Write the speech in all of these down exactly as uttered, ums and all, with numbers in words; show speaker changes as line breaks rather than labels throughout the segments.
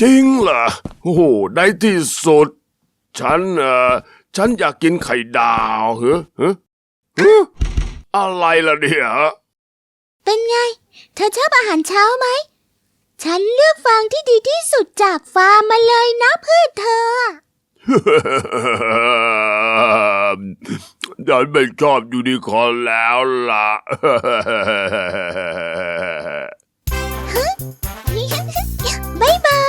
จริงเหรอโอ้โหในที่สุดฉันเอ่อฉันอยากกินไข่ดาวเหรอฮะฮะอะไรล่ะเนี่ย
เป็นไง เธอชอบอาหารเช้าไหม ฉันเลือกฟางที่ดีที่สุดจากฟาร์มมาเลยนะเพื่อเธอ
ฉันไม่ชอบยูนิคอร์นแล้วล่ะ
บ๊ายบาย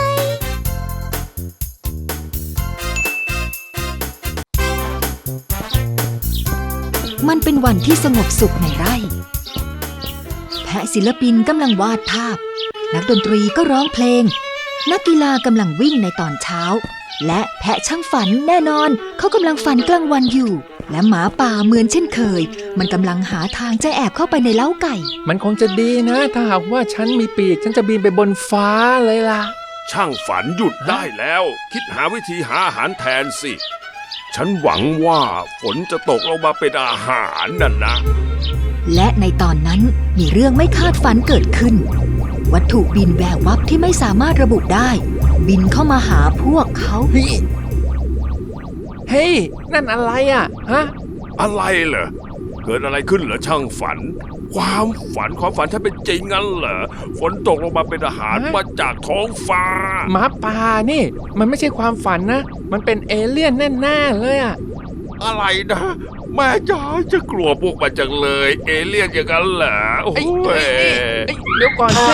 มันเป็นวันที่สงบสุขในไร่ แพะศิลปินกำลังวาดภาพ นักดนตรีก็ร้องเพลง นักกีฬากำลังวิ่งในตอนเช้า และแพะช่างฝันแน่นอนเขากำลังฝันกลางวันอยู่ และหมาป่าเหมือนเช่นเคย มันกำลังหาทางจะแอบเข้าไปในเล้าไก่
มันคงจะดีนะ ถ้าหากว่าฉันมีปีกฉันจะบินไปบนฟ้าเลยล่ะ
ช่างฝันหยุดได้แล้ว คิดหาวิธีหาอาหารแทนสิ ฉันหวังว่าฝนจะตกลงมาเป็นอาหารนั่นนะ
และในตอนนั้นมีเรื่องไม่คาดฝันเกิดขึ้น วัตถุบินแวววับที่ไม่สามารถระบุได้ บินเข้ามาหาพวกเขา
เฮ้ย เฮ้ย นั่นอะไรอ่ะ ฮะ
อะไรเหรอ เกิดอะไรขึ้นเหรอช่างฝัน ความฝันความฝันฉันเป็นจริงงั้นเหรอ ฝนตกลงมาเป็นอาหาร
ฮะ
มาจากท้องฟ้า
หมาป่านี่ มันไม่ใช่ความฝันนะ มันเป็นเอเลี่ยนแน่ๆเลยอ่ะ
อะไรนะแม่จ๋าจะกลัวพวกมันจังเลย เอเลี่ยนอย่างนั้นเหรอโอ้
เอ้ย
ย
เอ้ยเอ้ยเอ้ยเดี๋ยวก่อนสิ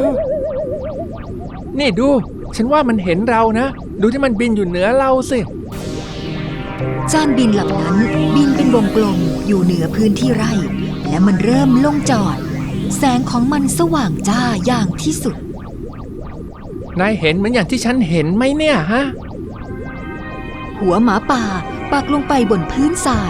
นี่ดู ฉันว่ามันเห็นเรานะ ดูที่มันบินอยู่เหนือเราสิ
จานบินลำนั้นบินเป็นวงกลมอยู่เหนือพื้นที่ไร่ และมันเริ่มลงจอด แสงของมันสว่างจ้าอย่างที่สุด
นายเห็นเหมือนอย่างที่ฉันเห็นไหมเนี่ยฮะ
หัวหมาป่าปักลงไปบนพื้นทราย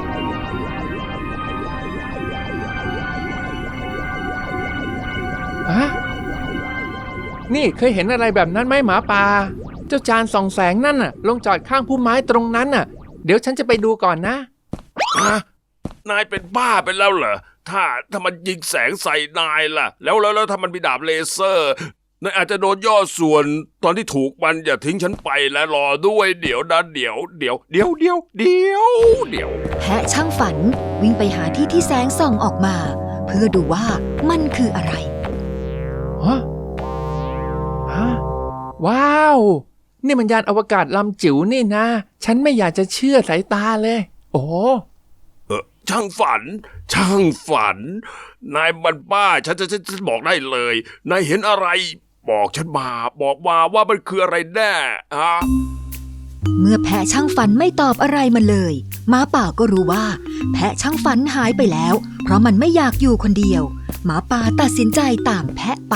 ฮะ นี่เคยเห็นอะไรแบบนั้นไหมหมาป่า เจ้าจานส่องแสงนั่นน่ะ ลงจอดข้างพุ่มไม้ตรงนั้นน่ะ เดี๋ยวฉันจะไปดูก่อนนะ
ฮะนายเป็นบ้าไปแล้วเหรอ ถ้าถ้ามันยิงแสงใส่นายล่ะ แล้วแล้วแล้วถ้ามันมีดาบเลเซอร์นายอาจจะโดนย่อส่วนตอนที่ถูกมันอย่าทิ้งฉันไปและรอด้วยเดี๋ยวนะเดี๋ยวเดี๋ยวเดี๋ยวเดี๋ยวเดี๋ยวเดี๋ยว
แพะช่างฝันวิ่งไปหาที่ที่แสงส่องออกมา เพื่อดูว่ามันคืออะไร
ฮะ ฮะ ว้าว นี่มันยานอวกาศลำจิ๋วนี่นะ ฉันไม่อยากจะเชื่อสายตาเลย โอ้
เออช่างฝัน ช่างฝัน นายมันบ้าฉันจะฉันจะบอกได้เลยนายเห็นอะไร บอกฉันมาบอกมาว่ามันคืออะไรแน่ฮะ
เมื่อแพะช่างฝันไม่ตอบอะไรมันเลยหมาป่าก็รู้ว่า แพะช่างฝันหายไปแล้ว เพราะมันไม่อยากอยู่คนเดียวหมาป่าตัดสินใจตามแพะไป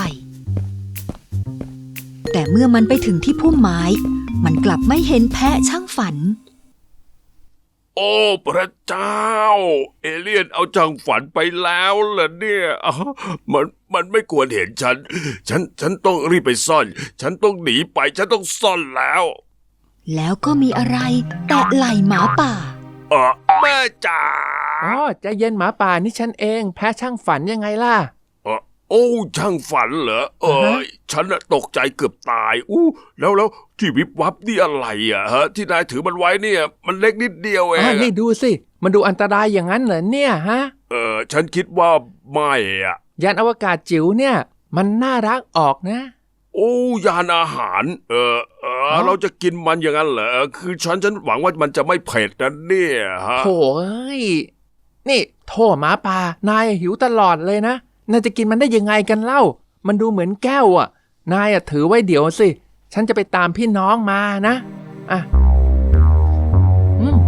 แต่เมื่อมันไปถึงที่พุ่มไม้ มันกลับไม่เห็นแพะช่างฝัน
โอ้พระเจ้า เอเลี่ยนเอาจังฝันไปแล้วเหรอเนี่ยอ๋อมันมันไม่ควรเห็นฉัน ฉันฉันต้องรีบไปซ่อน ฉันต้องหนีไป ฉันต้องซ่อนแล้ว
แล้วก็มีอะไรแตะไหล่หมาป่า
เออแม่จ๋า
อ๋อใจเย็นหมาป่านี่ฉันเอง แพ้ช่างฝันยังไงล่ะ
เออโอ้ช่างฝันเหรอเอ
อ่า
อ
ฮะ
ฉันน่ะตกใจเกือบตายอู้แล้วแล้วที่วิบวับนี่อะไรอ่ะฮะ ที่นายถือมันไว้เนี่ย มันเล็กนิดเดียวเอ
อ๋อง นี่
อะ
ดูสิ มันดูอันตรายอย่างนั้นเหรอเนี่ยฮะ
เออฉันคิดว่าไม่อ่ะ
ยานอวกาศจิ๋วเนี่ย มันน่ารักออกนะ
โอ้ยานอาหาร เออเออ
อ๋อ
เราจะกินมันอย่างนั้นเหรอคือฉันฉันหวังว่ามันจะไม่เผ็ดนะเนี่ยฮะ
โถเอ้ย นี่โถหมาป่านายหิวตลอดเลยนะ นายจะกินมันได้ยังไงกันเล่า มันดูเหมือนแก้วอ่ะ นายอ่ะถือไว้เดี๋ยวสิ ฉันจะไปตามพี่น้องมานะ อ่ะอืม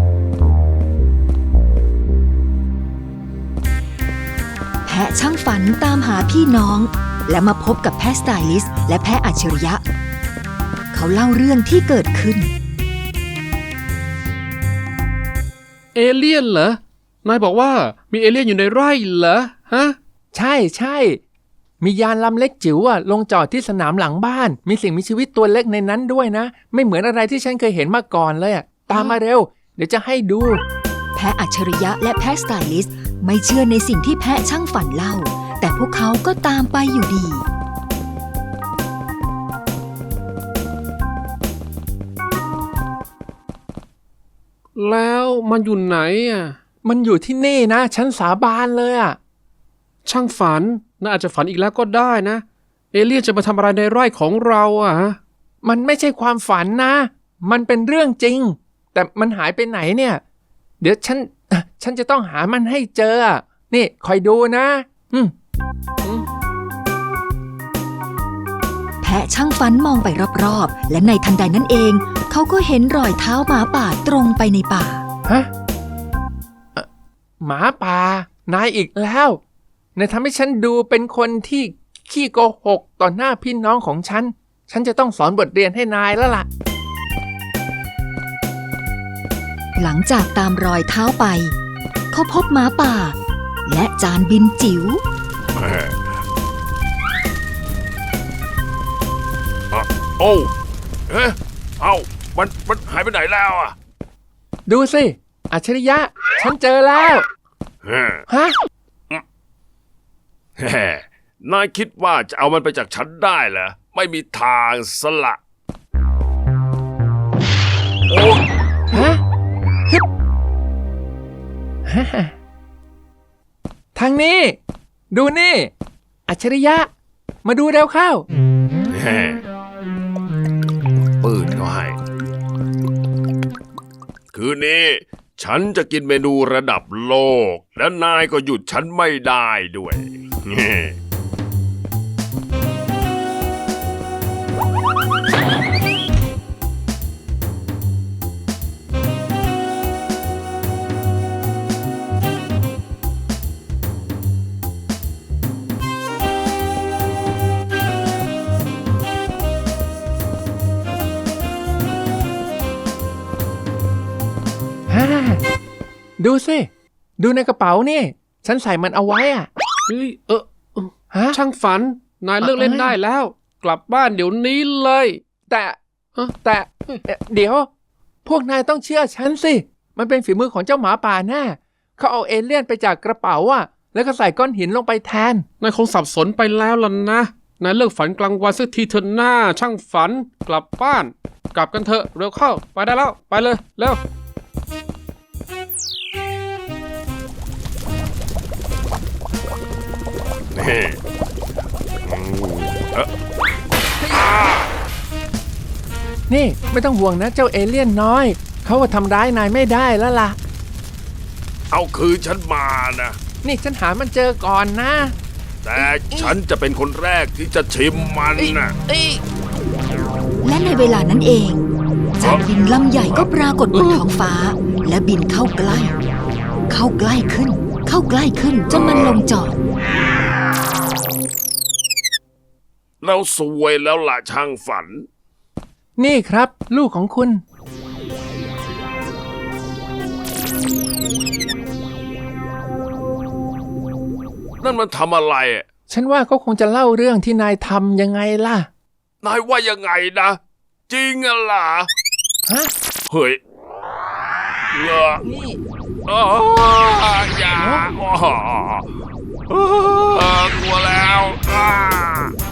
แพะช่างฝันตามหาพี่น้อง และมาพบกับแพะสไตลิสต์และแพะอัจฉริยะ เขาเล่าเรื่องที่เกิดขึ้น
เอเลี่ยนเหรอ นายบอกว่ามีเอเลี่ยนอยู่ในไร่เหรอ ฮะ
ใช่ใช่ มียานลำเล็กจิ๋วอ่ะลงจอดที่สนามหลังบ้าน มีสิ่งมีชีวิตตัวเล็กในนั้นด้วยนะ ไม่เหมือนอะไรที่ฉันเคยเห็นมาก่อนเลยอ่ะ ตามมาเร็ว เดี๋ยวจะให้ดู
แพะอัจฉริยะและแพะสไตลิสต์ไม่เชื่อในสิ่งที่แพะช่างฝันเล่า แต่พวกเขาก็ตามไปอยู่ดี
แล้วมันอยู่ไหนอ่ะ
มันอยู่ที่นี่นะ ฉันสาบานเลยอ่ะ
ช่างฝันน่าอาจจะฝันอีกแล้วก็ได้นะ เอเลี่ยนจะมาทำอะไรในไร่ของเราอ่ะฮะ
มันไม่ใช่ความฝันนะ มันเป็นเรื่องจริง แต่มันหายไปไหนเนี่ย เดี๋ยวฉัน ฉันจะต้องหามันให้เจอ นี่คอยดูนะ อืม
แพะช่างฟันมองไปรอบๆ และในทันใดนั้นเอง เขาก็เห็นรอยเท้าหมาป่าตรงไปในป่า
ฮะเอ่อหมาป่านายอีกแล้วนายทำให้ฉันดูเป็นคนที่ขี้โกหกต่อหน้าพี่น้องของฉัน ฉันจะต้องสอนบทเรียนให้นายแล้วล่ะ
หลังจากตามรอยเท้าไป เขาพบหมาป่า และจานบินจิ๋ว
โอ้เอ๊ะเอ้ามันมันหายไปไหนแล้วอ่ะ
ดูสิ อัจฉริยะ ฉันเจอแล้ว
เฮ้
ฮะ
แฮ่นายคิดว่าจะเอามันไปจากฉันได้เหรอ ไม่มีทางสละโอ้
ฮะฮึบฮ่าทางนี้ ดูนี่ อัจฉริยะ มาดูเร็วเข้า
แฮ่ปืนเขาให้ คืนนี้ ฉันจะกินเมนูระดับโลก และนายก็หยุดฉันไม่ได้ด้วยแฮ่
ฮ่าดูสิ ดูในกระเป๋านี่ ฉันใส่มันเอาไว้อ่ะ
เฮ้ยเออเออ
ฮะ
ช่างฝัน นายเลิกเล่นได้แล้ว กลับบ้านเดี๋ยวนี้เลย
แต่
เอ้อ
แต่เอ่อเดี๋ยว พวกนายต้องเชื่อฉันสิ มันเป็นฝีมือของเจ้าหมาป่าแน่เขาเอาเอเลี่ยนไปจากกระเป๋าอ่ะ แล้วก็ใส่ก้อนหินลงไปแทน
นายคงสับสนไปแล้วล่ะนะ นายเลิกฝันกลางวันสักทีเถอะหน้า ช่างฝัน กลับบ้าน กลับกันเถอะเร็วเข้า ไปได้แล้ว ไปเลยเร็ว
นี่อืมเอ๊ะ
นี่ไม่ต้องห่วงนะเจ้าเอเลี่ยนน้อย เขาว่าทำร้ายนายไม่ได้แล้วล่ะ
เอาคืนฉันมานะ
นี่ฉันหามันเจอก่อนนะ
แต่ฉันจะเป็นคนแรกที่จะชิมมันนะ
เอ้ย
และในเวลานั้นเอง จานบินลำใหญ่ก็ปรากฏบนท้องฟ้า และบินเข้าใกล้ เข้าใกล้ขึ้น เข้าใกล้ขึ้นจนมันลงจอด
เราสวยแล้วล่ะช่างฝัน
นี่ครับ ลูกของคุณ
นั่นมันทำอะไรอะ
ฉันว่าเขาคงจะเล่าเรื่องที่นายทำยังไงล่ะ
นายว่ายังไงนะ จริงอะล่ะ
ฮะ
เฮ้ยเงอะ
นี่
อ้าอย่าอ้ออ้ากลัวแล้วอ้า